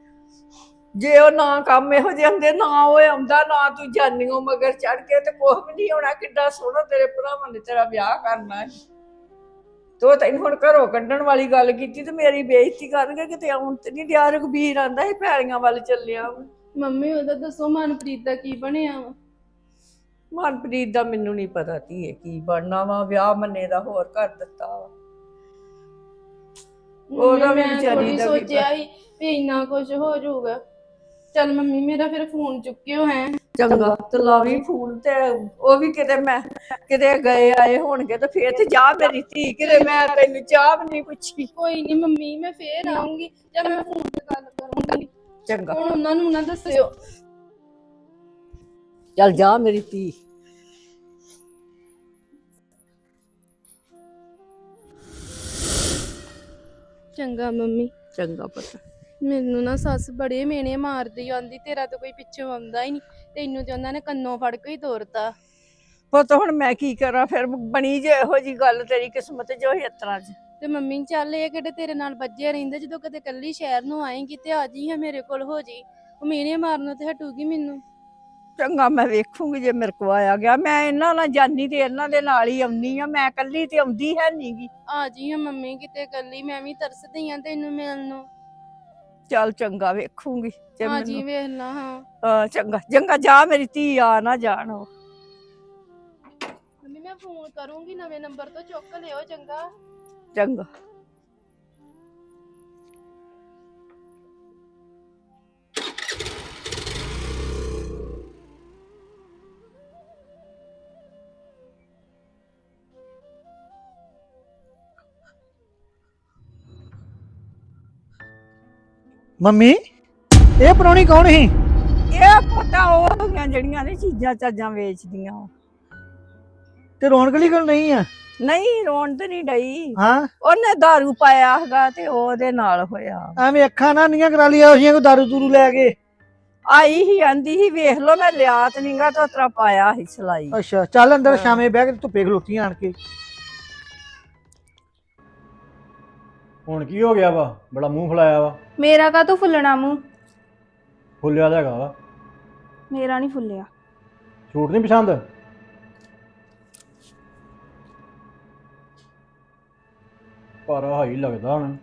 [SPEAKER 5] ਜੇ ਉਹ ਨਾ ਕੰਮ ਇਹੋ ਜਿਹੇ ਹੁੰਦੇ, ਨਾ ਉਹ ਆਉਂਦਾ, ਨਾ ਤੂੰ ਜਾਨੀਓ ਮਗਰ ਚੜ ਕੇ, ਤੇ ਕੁਛ ਵੀ ਨਹੀਂ ਹੋਣਾ। ਕਿੱਡਾ ਸੋਹਣਾ ਤੇਰੇ ਭਰਾਵਾਂ ਨੇ ਤੇਰਾ ਵਿਆਹ ਕਰਨਾ ਹੈ, ਤੇ ਉਹ ਤੈਨੂੰ ਹੁਣ ਘਰੋਂ ਕੱਢਣ ਵਾਲੀ ਗੱਲ ਕੀਤੀ ਤੇ ਮੇਰੀ ਬੇਇੱਜ਼ਤੀ ਕਰਨਗੇ। ਕਿਤੇ ਆਉਣ ਤੇ ਨਹੀਂ ਦਿਆ। ਰਘਬੀਰ ਆਂਦਾ ਸੀ ਪੈਲੀਆਂ ਵੱਲ ਚੱਲਿਆ ਵਾ।
[SPEAKER 1] ਮੰਮੀ ਉਹਦਾ ਦੱਸੋ ਮਨਪ੍ਰੀਤ ਦਾ ਕੀ ਬਣਿਆ ਵਾ?
[SPEAKER 5] ਮਨਪ੍ਰੀਤ ਦਾ ਮੈਨੂੰ ਨਹੀਂ ਪਤਾ ਧੀਏ ਕੀ ਬਣਨਾ ਵਾ। ਵਿਆਹ ਮੰਨੇ ਦਾ ਹੋਰ ਕਰ ਦਿੱਤਾ ਵਾ। ਉਹਦਾ ਵੀ
[SPEAKER 1] ਮੈਂ
[SPEAKER 5] ਵਿਚਾਰੀ
[SPEAKER 1] ਥੋੜ੍ਹੀ
[SPEAKER 5] ਦਾ ਵੀ
[SPEAKER 1] ਸੋਚਿਆ ਸੀ ਵੀ ਇੰਨਾ ਕੁਝ ਹੋ ਜਾਊਗਾ। ਚੱਲ ਮੰਮੀ ਮੇਰਾ ਫਿਰ ਫੋਨ ਚੁੱਕਿਓ ਹੈ।
[SPEAKER 5] ਚੰਗਾ ਤੇ ਲਾਵੀ ਫੋਨ ਤੇ ਉਹ ਵੀ ਕਿਤੇ ਮੈਂ ਕਿਤੇ ਗਏ ਆਏ ਹੋਣਗੇ ਤੇ ਫੇਰ ਤੇ ਜਾ ਮੇਰੀ ਧੀ ਕਿਤੇ ਮੈਂ ਤੈਨੂੰ ਚਾਹ ਵੀ ਨਹੀਂ ਪੁੱਛੀ।
[SPEAKER 1] ਕੋਈ ਨਹੀਂ ਮੰਮੀ, ਮੈਂ ਫੇਰ ਆਉਂਗੀ ਜਾਂ ਮੈਂ ਫੋਨ ਤੇ ਗੱਲ ਕਰੂੰਗੀ।
[SPEAKER 5] ਚੰਗਾ
[SPEAKER 1] ਹੁਣ ਉਹਨਾਂ ਨੂੰ ਨਾ ਦੱਸਿਓ।
[SPEAKER 5] ਚੱਲ ਜਾ ਮੇਰੀ ਧੀ।
[SPEAKER 1] ਚੰਗਾ ਮੰਮੀ।
[SPEAKER 5] ਚੰਗਾ ਪੁੱਤ।
[SPEAKER 1] ਮੈਨੂੰ ਨਾ ਸੱਸ ਬੜੇ ਮੇਨੇ ਮਾਰਦੀ ਆਂਦੀ, ਤੇਰਾ ਤਾਂ ਕੋਈ ਪਿੱਛੋਂ ਆਉਂਦਾ ਹੀ ਨਹੀਂ, ਤੈਨੂੰ ਤੇ ਉਹਨਾਂ ਨੇ ਕੰਨੋਂ ਫੜ ਕੇ ਹੀ ਤੋਰਤਾ।
[SPEAKER 5] ਪੁੱਤ ਹੁਣ ਮੈਂ ਕੀ ਕਰਾਂ, ਫਿਰ ਬਣੀ ਜੇ ਇਹੋ ਜੀ ਗੱਲ, ਤੇਰੀ ਕਿਸਮਤ ਜੋ ਇਸ ਤਰ੍ਹਾਂ ਚ।
[SPEAKER 1] ਤੇ ਮੰਮੀ ਚੱਲ ਇਹ ਕਿਹੜੇ ਤੇਰੇ ਨਾਲ ਵੱਜੇ ਰਹਿੰਦੇ, ਜਦੋਂ ਕਦੇ ਕੱਲੀ ਸ਼ਹਿਰ ਨੂੰ ਆਏਂਗੀ ਤੇ ਆ ਜੀ ਹਾਂ ਮੇਰੇ ਕੋਲ ਹੋ ਜੀ, ਉਹ ਮੇਨੇ ਮਾਰਨੋਂ ਤੇ ਹਟੂਗੀ ਮੈਨੂੰ।
[SPEAKER 5] ਚੰਗਾ ਮੈਂ ਵੇਖੂੰਗੀ ਜੇ ਮੇਰੇ ਕੋ ਆਇਆ ਗਿਆ, ਮੈਂ ਇਹਨਾਂ ਨਾਲ ਜਾਨੀ ਤੇ ਇਹਨਾਂ ਦੇ ਨਾਲ ਹੀ ਆਉਣੀ ਆ, ਮੈਂ ਕੱਲੀ ਤੇ ਆਉਂਦੀ ਹੈ ਨੀਗੀ।
[SPEAKER 1] ਆ ਜੀ ਹਾਂ ਮੰਮੀ ਕਿਤੇ ਕੱਲੀ, ਮੈਂ ਵੀ ਤਰਸਦੀ ਆ ਤੈਨੂੰ ਮਿਲਣ ਨੂੰ।
[SPEAKER 5] ਚੱਲ ਚੰਗਾ ਵੇਖੂੰਗੀ ਜੇ
[SPEAKER 1] ਆ ਜੀ
[SPEAKER 5] ਮੈਨੂੰ
[SPEAKER 1] ਵੇਖ ਲਾ। ਹਾਂ
[SPEAKER 5] ਚੰਗਾ ਚੰਗਾ ਜਾ ਮੇਰੀ ਧੀ, ਆ ਨਾ ਜਾਣ ਉਹ।
[SPEAKER 1] ਮੰਮੀ ਮੈਂ ਫੋਨ ਕਰੂੰਗੀ ਨਵੇਂ ਨੰਬਰ ਤੋਂ, ਚੁੱਕ ਲਿਓ ਚੰਗਾ।
[SPEAKER 5] ਚੰਗਾ।
[SPEAKER 6] ਮੰਮੀ ਇਹ ਪ੍ਰਾਹੁਣੀ ਕੌਣ ਸੀ?
[SPEAKER 5] ਇਹ ਪਤਾ ਉਹ ਹੋਈਆਂ ਜਿਹੜੀਆਂ ਨੇ ਚੀਜ਼ਾਂ ਚਾਜ਼ਾਂ ਵੇਚਦੀਆਂ ਉਹ।
[SPEAKER 6] ਤੇ ਰੌਣਕ ਲਈ ਗੱਲ ਨਹੀਂ ਆ?
[SPEAKER 5] ਨਹੀਂ ਰੋਣ ਤੇ ਨਹੀਂ ਡਈ,
[SPEAKER 6] ਹਾਂ
[SPEAKER 5] ਉਹਨੇ ਦਾਰੂ ਪਾਇਆ ਹੈਗਾ ਤੇ ਉਹਦੇ ਨਾਲ ਹੋਇਆ।
[SPEAKER 6] ਐਵੇਂ ਅੱਖਾਂ ਨਾ ਨੀਆਂ ਕਰਾ ਲਿਆ ਉਸੀਆਂ, ਕੋਈ ਦਾਰੂ ਦੂਰੂ ਲੈ ਕੇ
[SPEAKER 5] ਆਈ ਹੀ ਆਂਦੀ ਸੀ ਵੇਖ ਲੋ ਮੈਂ ਲਿਆ ਤੇ ਨਹੀਂਗਾ ਤੇ ਉਤਰਾ ਪਾਇਆ ਸੀ ਸਲਾਈ।
[SPEAKER 6] ਅੱਛਾ ਚੱਲ ਅੰਦਰ ਸ਼ਾਮੇ ਬਹਿ ਕੇ ਧੁੱਪੇ ਖਲੋਤੀਆਂ ਆਣ ਕੇ।
[SPEAKER 3] ਹੁਣ ਕੀ ਹੋ ਗਿਆ ਵਾ, ਬੜਾ ਮੂੰਹ ਫੁਲਾਇਆ ਵਾ।
[SPEAKER 4] ਮੇਰਾ ਕਾ ਤੂੰ ਫੁੱਲਣਾ ਮੂੰਹ?
[SPEAKER 3] ਫੁੱਲਿਆ ਤਾਂ ਹੈਗਾ ਵਾ।
[SPEAKER 4] ਮੇਰਾ ਨਹੀਂ ਫੁੱਲਿਆ।
[SPEAKER 3] ਸੂਟ ਨਹੀਂ ਪਸੰਦ? ਪਰ ਹਾਈ ਲੱਗਦਾ ਹੁਣ।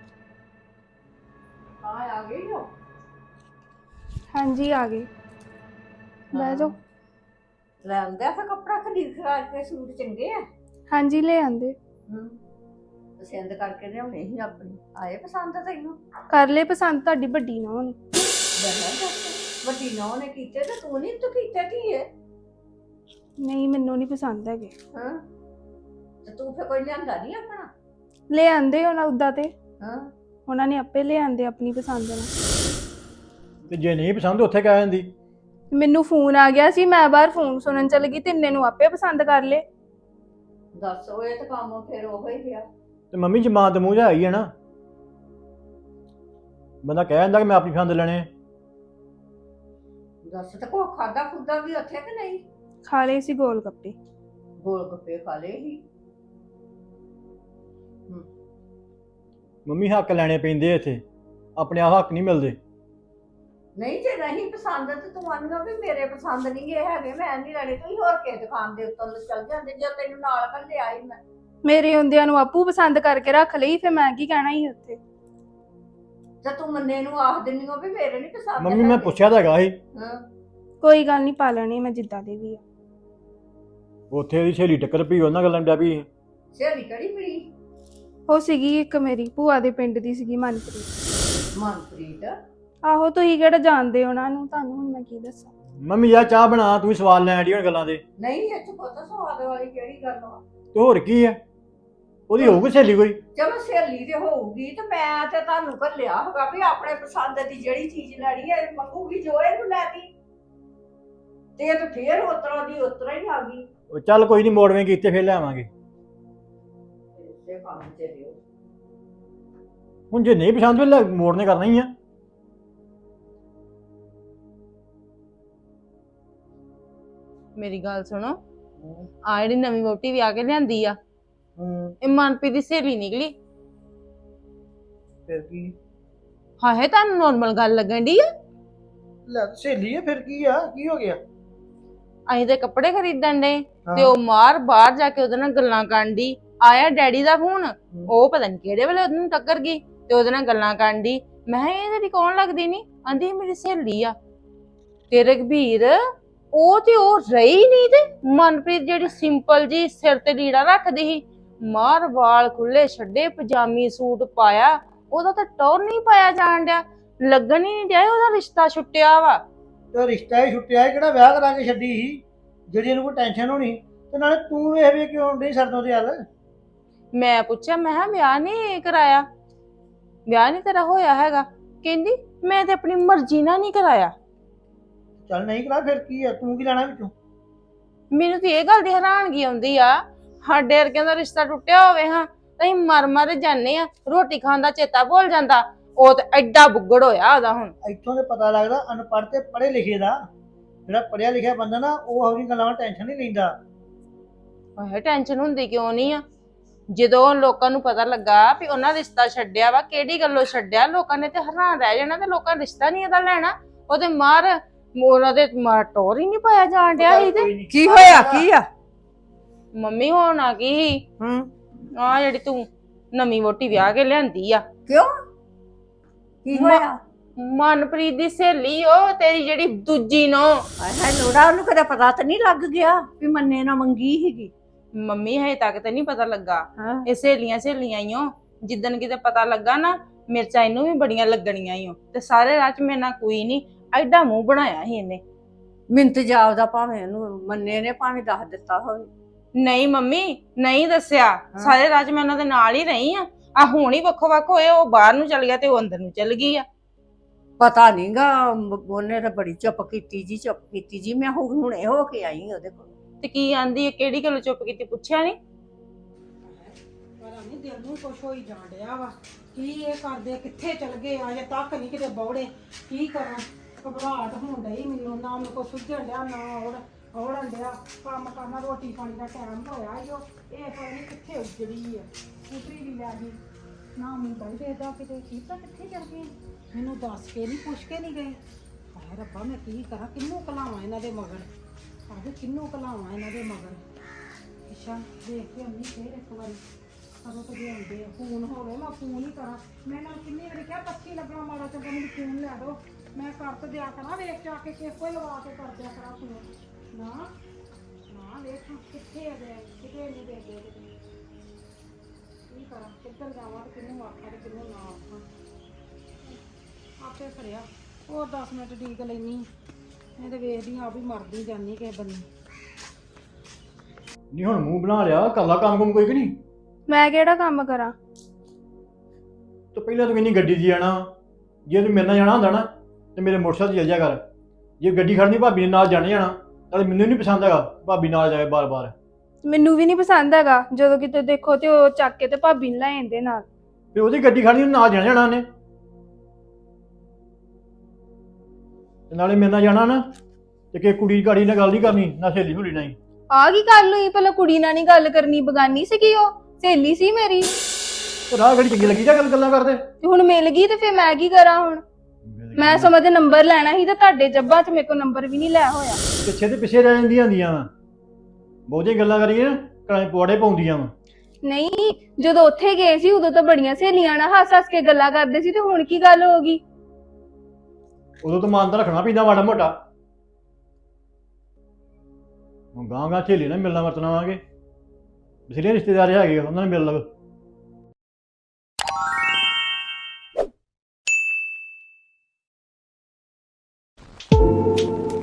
[SPEAKER 5] ਆ ਗਈ ਹੋ?
[SPEAKER 4] ਹਾਂਜੀ ਆ ਗਏ, ਬਹਿ ਜਾਓ।
[SPEAKER 5] ਲੈ ਆਂਦਾ ਫਿਰ ਕੱਪੜਾ ਖਰੀਦ ਖਰਾਦ ਕੇ, ਸੂਟ ਚੰਗੇ ਆ।
[SPEAKER 4] ਹਾਂਜੀ ਲੈ ਆਂਦੇ।
[SPEAKER 5] ਪਸੰਦ ਕਰਕੇ ਲਿਆਉਣੇ ਸੀ ਆਪਣੀ, ਆਏ ਪਸੰਦ ਤੈਨੂੰ?
[SPEAKER 4] ਕਰ ਲੈ ਪਸੰਦ, ਤੁਹਾਡੀ ਵੱਡੀ ਨਾ ਹੋਣੀ।
[SPEAKER 5] ਵੱਡੀ ਨੌ ਨੇ ਕੀਤੇ ਤੇ ਤੂੰ ਨਹੀਂ ਤੂੰ ਕੀਤਾ ਕੀ ਹੈ?
[SPEAKER 4] ਨਹੀਂ ਮੈਨੂੰ ਨਹੀਂ ਪਸੰਦ ਹੈਗੇ।
[SPEAKER 5] ਹਾਂ ਤੇ ਤੂੰ ਫਿਰ ਕੋਈ ਲਿਆਂਦਾ ਨਹੀਂ ਆਪਣਾ?
[SPEAKER 4] ਲੈ ਆਂਦੇ ਉਹਨਾਂ ਉਦਾਂ ਤੇ
[SPEAKER 5] ਹਾਂ
[SPEAKER 4] ਉਹਨਾਂ ਨੇ ਆਪੇ ਲੈ ਆਂਦੇ ਆਪਣੀ ਪਸੰਦ ਨਾਲ।
[SPEAKER 3] ਤੇ ਜੇ ਨਹੀਂ ਪਸੰਦ ਉੱਥੇ ਕਹਿ ਜਾਂਦੀ।
[SPEAKER 4] ਮੈਨੂੰ ਫੋਨ ਆ ਗਿਆ ਸੀ, ਮੈਂ ਬਾਹਰ ਫੋਨ ਸੁਣਨ ਚਲ ਗਈ ਤੇ ਇੰਨੇ ਨੂੰ ਆਪੇ ਪਸੰਦ ਕਰ ਲੇ।
[SPEAKER 5] ਦੱਸ ਉਹ ਇਹ ਤਾਂ ਕੰਮ ਫਿਰ ਉਹ ਹੀ ਪਿਆ।
[SPEAKER 3] ਤੇ ਮੰਮੀ ਜ਼ਮਾਨ ਤੇ ਮੂੰਹ ਜਾ ਆਈ ਹੈ ਨਾ, ਬੰਦਾ ਕਹਿ ਜਾਂਦਾ ਕਿ ਮੈਂ ਆਪਣੀ ਪਸੰਦ ਲੈਣੇ ਆ।
[SPEAKER 5] ਦੱਸ ਤੇ ਕੋ ਖਾਦਾ ਖੁੱਦਾ ਵੀ ਉੱਥੇ ਕਿ ਨਹੀਂ?
[SPEAKER 4] ਖਾ ਲਏ ਸੀ ਗੋਲ ਗੱਪੇ।
[SPEAKER 5] ਗੋਲ ਗੱਪੇ ਖਾ ਲਏ ਸੀ।
[SPEAKER 3] ਮੰਮੀ ਹੱਕ ਲੈਣੇ ਪੈਂਦੇ ਇੱਥੇ, ਆਪਣੇ ਆਪ ਹੱਕ ਨਹੀਂ ਮਿਲਦੇ।
[SPEAKER 5] ਨਹੀਂ ਜੇ ਨਹੀਂ ਪਸੰਦ ਤੇ ਤੂੰ ਆਂਦਾ ਵੀ ਮੇਰੇ ਪਸੰਦ ਨਹੀਂ ਇਹ ਹੈਗੇ, ਮੈਂ ਨਹੀਂ ਲੈਣੇ, ਤੁਸੀਂ ਹੋਰ ਕਿਸੇ ਦੁਕਾਨ ਦੇ ਉੱਤੋਂ ਚੱਲ ਜਾਂਦੇ ਜੇ ਤੈਨੂੰ ਨਾਲ ਘੱਲਿਆ ਹੀ ਮੈਂ।
[SPEAKER 4] ਮੇਰੇ ਹੁੰਦਿਆਂ ਨੂੰ ਆਪੂ ਪਸੰਦ ਕਰਕੇ ਰੱਖ ਲਈ, ਫਿਰ ਮੈਂ ਕੀ ਕਹਿਣਾ ਸੀ ਉੱਥੇ।
[SPEAKER 5] ਜੇ ਤੂੰ ਮੰਨੇ ਨੂੰ ਆਖ ਦਿੰਨੀ ਹੋ ਵੀ ਮੇਰੇ ਨਹੀਂ ਪਸੰਦ
[SPEAKER 3] ਮੰਮੀ ਮੈਂ
[SPEAKER 5] ਹੈਗੇ।
[SPEAKER 3] ਪੁੱਛਿਆ ਤਾਂ ਹੈਗਾ ਸੀ,
[SPEAKER 5] ਹਾਂ
[SPEAKER 4] ਕੋਈ ਗੱਲ ਨਹੀਂ, ਪਾ ਲੈਣੀ ਮੈਂ ਜਿੱਦਾਂ ਦੇ ਵੀ ਆ।
[SPEAKER 3] ਉੱਥੇ ਉਹਦੀ ਸਹੇਲੀ ਟੱਕਰ ਪਈ, ਉਹਨਾਂ ਗੱਲਾਂ ਡਿਆ ਵੀ।
[SPEAKER 5] ਸਹੇਲੀ ਕਿਹੜੀ ਪਈ?
[SPEAKER 4] ਉਹ ਸੀਗੀ ਇੱਕ ਮੇਰੀ ਭੂਆ ਦੇ ਪਿੰਡ ਦੀ ਸੀਗੀ, ਮਨਪ੍ਰੀਤ।
[SPEAKER 5] ਮਨਪ੍ਰੀਤ?
[SPEAKER 4] ਆਹੋ ਤੁਸੀਂ ਕਿਹੜਾ ਜਾਣਦੇ ਉਹਨਾਂ ਨੂੰ, ਤੁਹਾਨੂੰ ਹੁਣ ਮੈਂ ਕੀ ਦੱਸਾਂ।
[SPEAKER 3] ਮੰਮੀ ਯਾਰ ਚਾਹ ਬਣਾ, ਤੂੰ ਵੀ ਸਵਾਲ ਲੈਣ ਡਈ ਹੁਣ ਗੱਲਾਂ ਦੇ।
[SPEAKER 5] ਨਹੀਂ ਇਹ ਚ ਪਤਾ ਸਵਾਦ ਵਾਲੀ ਕਿਹੜੀ ਗੱਲ ਵਾ?
[SPEAKER 3] ਤੇ ਹੋਰ ਕੀ ਹੈ, ਉਹਦੀ ਹੋਊਗੀ ਸਹੇਲੀ ਕੋਈ।
[SPEAKER 5] ਚਲੋ ਸਹੇਲੀ ਤੇ ਹੋਊਗੀ ਤੇ ਮੈਂ ਤੇ ਤੁਹਾਨੂੰ ਘੱਲਿਆ ਹੋਗਾ ਵੀ ਆਪਣੇ ਪਸੰਦ ਦੀ ਜਿਹੜੀ ਚੀਜ਼ ਲੈਣੀ ਹੈ ਮੰਗੂਗੀ ਜੋ ਇਹਨੂੰ ਲੈਦੀ, ਤੇ ਇਹ ਤਾਂ ਫੇਰ ਉਤਰਾ ਦੀ ਉਤਰਾ ਹੀ ਆ ਗਈ।
[SPEAKER 3] ਉਹ ਚੱਲ ਕੋਈ ਨਹੀਂ, ਮੋੜਵੇਂ ਕੀਤੇ ਫਿਰ ਲੈ ਆਵਾਂਗੇ।
[SPEAKER 5] ਇਸੇ ਕੰਮ ਚ ਰਿਓ।
[SPEAKER 3] ਹੁਣ ਜੇ ਨਹੀਂ ਪਸੰਦ ਫਿਰ ਮੋੜਨੇ ਕਰਨਾ ਹੀ ਆ।
[SPEAKER 8] ਮੇਰੀ ਗੱਲ ਸੁਣੋ, ਆ ਜਿਹੜੀ ਨਵੀਂ ਵੋਟੀ ਵਿਆਹ ਕੇ ਲਿਆਂਦੀ ਆ,
[SPEAKER 6] ਹੂੰ
[SPEAKER 8] ਇਹ ਮਨਪ੍ਰੀਤ ਦੀ ਸਹੇਲੀ ਨਿਕਲੀ।
[SPEAKER 6] ਫਿਰ ਕੀ?
[SPEAKER 8] ਹਾਏ ਤੁਹਾਨੂੰ ਨੋਰਮਲ ਗੱਲ ਲੱਗਣ ਦੀ ਆ?
[SPEAKER 6] ਲੈ ਸਹੇਲੀ ਆ ਫਿਰ ਕੀ ਆ, ਕੀ ਹੋ ਗਿਆ?
[SPEAKER 8] ਅਸੀਂ ਤੇ ਕੱਪੜੇ ਖਰੀਦਣ ਦੇ ਤੇ ਉਹ ਮਾਰ ਬਾਹਰ ਜਾ ਕੇ ਉਹਦੇ ਨਾਲ ਗੱਲਾਂ ਕਰਨ ਦੀ। ਆਇਆ ਡੈਡੀ ਦਾ ਫੋਨ, ਉਹ ਪਤਾ ਨਹੀਂ ਕਿਹੜੇ ਵੇਲੇ ਉਹਨੂੰ ਟੱਕਰ ਗਈ ਤੇ ਉਹਦੇ ਨਾਲ ਗੱਲਾਂ ਕਰਨ ਦੀ। ਮੈਂ ਕਿਹਾ ਇਹ ਤੇਰੀ ਕੌਣ ਲੱਗਦੀ ਨਹੀਂ? ਆਂਦੀ ਮੇਰੀ ਸਹੇਲੀ ਆ। ਤੇ ਰਘਬੀਰ ਉਹ ਤੇ ਉਹ ਰਹੀ ਨਹੀਂ, ਤੇ ਮਨਪ੍ਰੀਤ ਜਿਹੜੀ ਸਿੰਪਲ ਜੀ ਸਿਰ ਤੇ ਲੀੜਾ ਰੱਖਦੀ ਸੀ, ਮਾਰ ਵਾਲ ਖੁੱਲੇ ਛੱਡੇ, ਪਜਾਮੀ ਸੂਟ ਪਾਇਆ, ਉਹਦਾ ਤਾਂ ਟੌਰ ਨਹੀਂ ਪਾਇਆ ਜਾਣ ਡਿਆ, ਲੱਗਣ ਹੀ ਨਹੀਂ ਡਿਆ ਉਹਦਾ ਰਿਸ਼ਤਾ ਛੁੱਟਿਆ ਵਾ।
[SPEAKER 6] ਤੇ ਰਿਸ਼ਤਾ ਹੀ ਛੁੱਟਿਆ ਸੀ, ਕਿਹੜਾ ਵਿਆਹ ਕਰਾ ਕੇ ਛੱਡੀ ਸੀ ਜਿਹੜੀ ਇਹਨੂੰ ਕੋਈ ਟੈਨਸ਼ਨ ਹੋਣੀ। ਤੇ ਨਾਲੇ ਤੂੰ ਵੇਖ ਵੇ ਕਿਉਂ ਨਹੀਂ ਸਰਦੋਂ ਤੇ ਹੱਲ।
[SPEAKER 8] ਮੈਂ ਪੁੱਛਿਆ, ਮੈਂ ਕਿਹਾ ਵਿਆਹ ਨਹੀਂ ਕਰਾਇਆ, ਵਿਆਹ ਨਹੀਂ ਤੇਰਾ ਹੋਇਆ ਹੈਗਾ? ਕਹਿੰਦੀ ਮੈਂ ਤੇ ਆਪਣੀ ਮਰਜ਼ੀ ਨਾਲ ਨਹੀਂ ਕਰਾਇਆ।
[SPEAKER 6] ਚੱਲ ਨਹੀਂ ਕਰਾ ਫਿਰ ਕੀ ਆ, ਤੂੰ ਕੀ ਲੈਣਾ ਵਿੱਚੋਂ?
[SPEAKER 8] ਮੈਨੂੰ ਤੇ ਇਹ ਗੱਲ ਦੀ ਹੈਰਾਨਗੀ ਆਉਂਦੀ ਆ, ਸਾਡੇ ਵਰਗਿਆਂ ਦਾ ਰਿਸ਼ਤਾ ਟੁੱਟਿਆ ਹੋਵੇ ਹਾਂ ਤਾਂ ਅਸੀਂ ਮਰ ਮਰ ਜਾਂਦੇ ਆ, ਰੋਟੀ ਖਾਣ ਦਾ ਚੇਤਾ ਭੁੱਲ ਜਾਂਦਾ। ਉਹ ਤੇ ਐਡਾ ਬੁੱਗੜ ਹੋਇਆ ਉਹਦਾ ਹੁਣ।
[SPEAKER 6] ਇੱਥੋਂ ਤੇ ਪਤਾ ਲੱਗਦਾ ਅਨਪੜ੍ਹ ਤੇ ਪੜ੍ਹੇ ਲਿਖੇ ਦਾ। ਜਿਹੜਾ ਪੜ੍ਹਿਆ ਲਿਖਿਆ ਬੰਦਾ ਨਾ ਉਹ ਆਪਣੀ ਗੱਲਾਂ ਟੈਨਸ਼ਨ ਨਹੀਂ ਲੈਂਦਾ।
[SPEAKER 8] ਓਏ ਟੈਨਸ਼ਨ ਹੁੰਦੀ ਕਿਉਂ ਨਹੀਂ ਆ? ਜਦੋਂ ਲੋਕਾਂ ਨੂੰ ਪਤਾ ਲੱਗਾ ਵੀ ਉਹਨਾਂ ਰਿਸ਼ਤਾ ਛੱਡਿਆ ਵਾ, ਕਿਹੜੀ ਗੱਲੋਂ ਛੱਡਿਆ, ਲੋਕਾਂ ਨੇ ਤੇ ਹੈਰਾਨ ਰਹਿ ਜਾਣਾ। ਤੇ ਲੋਕਾਂ ਨੇ ਰਿਸ਼ਤਾ ਨਹੀਂ ਇਹਦਾ ਲੈਣਾ, ਉਹਦੇ ਮਾਰ ਉਹਨਾਂ ਦੇ ਮਾਰ ਟੋਰ ਹੀ ਨਹੀਂ ਪਾਇਆ ਜਾਣ ਡਿਆ ਸੀ। ਤੇ
[SPEAKER 5] ਕੀ ਹੋਇਆ ਕੀ ਆ?
[SPEAKER 8] ਮੰਮੀ ਹੋਣਾ ਕੀ ਆ ਜਿਹੜੀ ਤੂੰ ਨਵੀਂ ਵੋਟੀ ਵਿਆਹ ਕੇ ਲਿਆਂਦੀ ਆ?
[SPEAKER 5] ਕਿਉਂ ਕੀ ਹੋਇਆ?
[SPEAKER 8] ਮਨਪ੍ਰੀਤ ਦੀ ਸਹੇਲੀ ਉਹ ਤੇਰੀ ਜਿਹੜੀ ਦੂਜੀ ਨੋ।
[SPEAKER 5] ਹਾਏ ਹਾਏ ਲੋੜਾ, ਉਹਨੂੰ ਕਦੇ ਪਤਾ ਤਾਂ ਨਹੀਂ ਲੱਗ ਗਿਆ ਵੀ ਮੰਨੇ ਨਾ ਮੰਗੀ ਸੀਗੀ?
[SPEAKER 8] ਮੰਮੀ ਹਜੇ ਤੱਕ ਤੇ ਨਹੀਂ ਪਤਾ ਲੱਗਾ।
[SPEAKER 5] ਹਾਂ।
[SPEAKER 8] ਇਹ ਸਹੇਲੀਆਂ ਹੀ ਓ। ਜਿੱਦਣ ਕਿਤੇ ਪਤਾ ਲੱਗਾ ਨਾ, ਮਿਰਚਾਂ ਇਹਨੂੰ ਵੀ ਬੜੀਆਂ ਲੱਗਣੀਆਂ ਈ ਓ। ਤੇ ਸਾਰੇ ਰਾਹ ਚ ਮੇਰੇ ਨਾਲ ਕੋਈ ਨਹੀਂ, ਐਡਾ ਮੂੰਹ ਬਣਾਇਆ ਸੀ ਇਹਨੇ।
[SPEAKER 5] ਮਿੰਤ ਜਾਪਦਾ ਭਾਵੇਂ ਉਹਨੂੰ ਮੰਨੇ ਨੇ ਭਾਵੇਂ ਦੱਸ ਦਿੱਤਾ ਹੋਵੇ।
[SPEAKER 8] ਨਹੀਂ ਮੰਮੀ ਨਹੀਂ ਦੱਸਿਆ, ਸਾਰੇ ਰਾਹ ਚ ਮੈਂ ਉਹਨਾਂ ਦੇ ਨਾਲ ਹੀ ਰਹੀ ਆ ਹੁਣ ਹੀ ਵੱਖੋ ਵੱਖ ਹੋਏ, ਉਹ ਬਾਹਰ ਨੂੰ ਚਲ ਗਿਆ ਤੇ ਉਹ ਅੰਦਰ ਨੂੰ ਚਲ ਗਈ ਆ।
[SPEAKER 5] ਪਤਾ ਨਹੀਂਗਾ, ਉਹਨੇ ਤਾਂ ਬੜੀ ਚੁੱਪ ਕੀਤੀ ਜੀ। ਮੈਂ ਹੁਣੇ ਹੋ ਕੇ ਆਈ ਉਹਦੇ ਕੋਲ।
[SPEAKER 8] ਤੇ ਕੀ ਆਂਦੀ ਹੈ, ਕਿਹੜੀ ਗੱਲ ਚੁੱਪ ਕੀਤੀ, ਪੁੱਛਿਆ ਨਹੀਂ?
[SPEAKER 2] ਪਤਾ ਨਹੀਂ ਦਿਲ ਨੂੰ ਕੁਛ ਹੋਈ ਜਾਣ ਡਿਆ ਵਾ। ਕੀ ਇਹ ਕਰਦੇ, ਕਿੱਥੇ ਚਲ ਗਏ, ਅਜੇ ਤੱਕ ਨਹੀਂ ਕਿਤੇ ਬੌੜੇ। ਕੀ ਕਰਾਂ, ਘਬਰਾਹਟ ਹੋਣ ਡਈ ਮੈਨੂੰ, ਨਾ ਮੈਨੂੰ ਕੋਈ ਸੁੱਝਣ ਡਿਆ ਨਾ ਔੜਨ ਡਿਆ। ਕੰਮ ਕਰਨਾ, ਰੋਟੀ ਪਾਣੀ ਦਾ ਟਾਈਮ ਹੋਇਆ ਈ ਓ। ਇਹ ਪਤਾ ਨਹੀਂ ਕਿੱਥੇ ਉੱਜੜੀ ਆ। ਸਕੂਟਰੀ ਵੀ ਲੈ ਗਈ, ਨਾ ਮੁੰਡਾ ਹੀ ਦੇਖਦਾ ਕਿਤੇ। ਕੀ ਪਤਾ ਕਿੱਥੇ ਚਲ ਗਏ, ਮੈਨੂੰ ਦੱਸ ਕੇ ਨਹੀਂ, ਪੁੱਛ ਕੇ ਨਹੀਂ ਗਏ। ਹਾਏ ਰੱਬਾ, ਮੈਂ ਕੀ ਕਰਾਂ, ਕਿਹਨੂੰ ਘਲਾਵਾਂ ਇਹਨਾਂ ਦੇ ਮਗਰ? ਆਹੋ ਕਿਹਨੂੰ ਘਲਾਵਾਂ ਇਹਨਾਂ ਦੇ ਮਗਰ? ਅੱਛਾ ਦੇਖ ਕੇ ਅੰਨੀ ਫੇਰ ਇੱਕ ਵਾਰੀ ਕਦੋਂ ਤੋਂ ਆਉਂਦੇ ਆ। ਫੋਨ ਹੋਵੇ ਮੈਂ ਫੋਨ ਹੀ ਕਰਾਂ। ਮੈਂ ਨਾਲ ਕਿੰਨੀ ਵਾਰੀ ਕਿਹਾ 25 ਲੱਗਣਾ ਮਾੜਾ ਚੰਗਾ, ਮੈਨੂੰ ਫੋਨ ਲੈ ਦਿਓ, ਮੈਂ ਕਰ ਤੇ ਦਿਆ ਕਰਾਂ। ਵੇਖ ਜਾ ਕੇ ਕਿਸੇ ਕੋਈ ਲਵਾ ਕੇ ਕਰ ਦਿਆ ਕਰਾਂ ਫੋਨ। ਨਾ ਵੇਖ ਕਿੱਥੇ ਆ ਗਏ, ਕਿਤੇ ਨਹੀਂ ਦੇ ਦੇ। ਕੀ ਕਰਾਂ, ਕਿੱਧਰ ਜਾਵਾਂ ਤੇ ਕਿਹਨੂੰ ਆਖਾਂ ਤੇ ਕਿਹਨੂੰ ਨਾ ਆਖਾਂ? ਆਪੇ ਫਰਿਆ ਹੋਰ 10 ਮਿੰਟ ਡੀਕ ਲੈਣੀ। ਮੈਂ ਤੇ ਵੇਖਦੀ ਆ ਵੀ ਮਰਦੀ ਜਾਂਦੀ ਕਿਸੇ ਬੰਨੀ।
[SPEAKER 3] ਨਹੀਂ ਹੁਣ ਮੂੰਹ ਬਣਾ ਲਿਆ, ਕਰ ਲਾ ਕੰਮ ਕੁਮ ਕੋਈ ਕਿ ਨਹੀਂ?
[SPEAKER 4] ਮੈਂ ਕਿਹੜਾ ਕੰਮ ਕਰਾਂ?
[SPEAKER 3] ਤੇ ਪਹਿਲਾਂ ਤੂੰ ਕਹਿੰਦੀ ਗੱਡੀ 'ਚ ਜਾਣਾ, ਜੇ ਤੂੰ ਮੇਰੇ ਨਾਲ ਜਾਣਾ ਹੁੰਦਾ ਨਾ ਤੇ ਮੇਰੇ ਮੋਟਰਸਾਈਕਲ 'ਤੇ ਚੱਲ ਜਾ ਕਰ। ਜੇ ਗੱਡੀ ਖੜਨੀ ਭਾਬੀ ਨੇ ਨਾਲ ਜਾਣੇ ਜਾਣਾ, ਨਾਲੇ ਮੈਨੂੰ ਨਹੀਂ ਪਸੰਦ ਹੈਗਾ ਭਾਬੀ ਨਾਲ ਜਾਏ ਬਾਰ-ਬਾਰ।
[SPEAKER 4] ਮੈਨੂੰ ਵੀ ਨਹੀਂ ਪਸੰਦ ਹੈਗਾ, ਜਦੋਂ ਕਿਤੇ ਦੇਖੋ ਤੇ ਉਹ ਚੱਕ ਕੇ ਤੇ ਭਾਬੀ ਨੂੰ ਲੈ ਜਾਂਦੇ ਨਾਲ।
[SPEAKER 3] ਫਿਰ ਉਹਦੀ ਗੱਡੀ ਖੜਨੀ, ਉਹਨੂੰ ਨਾਲ ਜਾਣਾ ਜਾਣਾ ਉਹਨੇ। ਤੇ ਨਾਲੇ ਮੇਰੇ ਨਾਲ ਜਾਣਾ ਨਾ ਤੇ ਕਿ ਕੁੜੀ ਗਾੜੀ ਨਾਲ ਗੱਲ ਨਹੀਂ ਕਰਨੀ, ਨਾ ਸਹੇਲੀ ਹੁਲੀ ਨਹੀਂ।
[SPEAKER 4] ਆ ਕੀ ਗੱਲ ਹੋਈ? ਪਹਿਲਾਂ ਕੁੜੀ ਨਾਲ ਨਹੀਂ ਗੱਲ ਕਰਨੀ, ਬਗਾਨੀ ਸੀਗੀ ਉਹ, ਸਹੇਲੀ ਸੀ ਮੇਰੀ।
[SPEAKER 3] ਤੇ ਰਾਹ ਗੜੀ ਚੰਗੀ ਲੱਗੀ ਜਾ ਗੱਲਾਂ ਕਰਦੇ।
[SPEAKER 4] ਤੇ ਹੁਣ ਮਿਲ ਗਈ ਤੇ ਫਿਰ ਮੈਂ ਕੀ ਕਰਾਂ ਹੁਣ? ਮੈਂ ਸਮਝਦੇ ਨੰਬਰ ਲੈਣਾ ਸੀ ਤੇ ਤੁਹਾਡੇ ਜੱਬਾਂ 'ਚ ਮੇਰੇ ਕੋਲ ਨੰਬਰ ਵੀ ਨਹੀਂ ਲੈ ਹੋਇਆ।
[SPEAKER 3] ਪਿੱਛੇ ਤੇ ਪਿੱਛੇ ਰਹਿ ਜਾਂਦੀਆਂ ਹੁੰਦੀਆਂ ਵਾ, ਬਹੁਤੀਆਂ ਗੱਲਾਂ ਕਰੀਏ ਨਾ ਕਲਾਂ ਪਵਾੜੇ ਪਾਉਂਦੀਆਂ ਵਾ।
[SPEAKER 4] ਨਹੀਂ, ਜਦੋਂ ਉੱਥੇ ਗਏ ਸੀ ਉਦੋਂ ਤਾਂ ਬੜੀਆਂ ਸਹੇਲੀਆਂ ਨਾਲ ਹੱਸ-ਹੱਸ ਕੇ ਗੱਲਾਂ ਕਰਦੇ ਸੀ, ਤੇ ਹੁਣ ਕੀ ਗੱਲ ਹੋ ਗਈ?
[SPEAKER 3] ਉਦੋਂ ਤਾਂ ਮਾਨ ਤਾਂ ਰੱਖਣਾ ਪੈਂਦਾ ਮਾੜਾ ਮੋਟਾ। ਹੁਣ ਗਾਂ ਸਹੇਲੀ ਨਾਲ ਮਿਲਣਾ ਵਰਤਣਾ ਵਾਂਗੇ, ਬਥੇਰੇ ਰਿਸ਼ਤੇਦਾਰ ਹੈਗੇ ਆ, ਉਹਨਾਂ ਨੇ ਮਿਲ ਲਵ।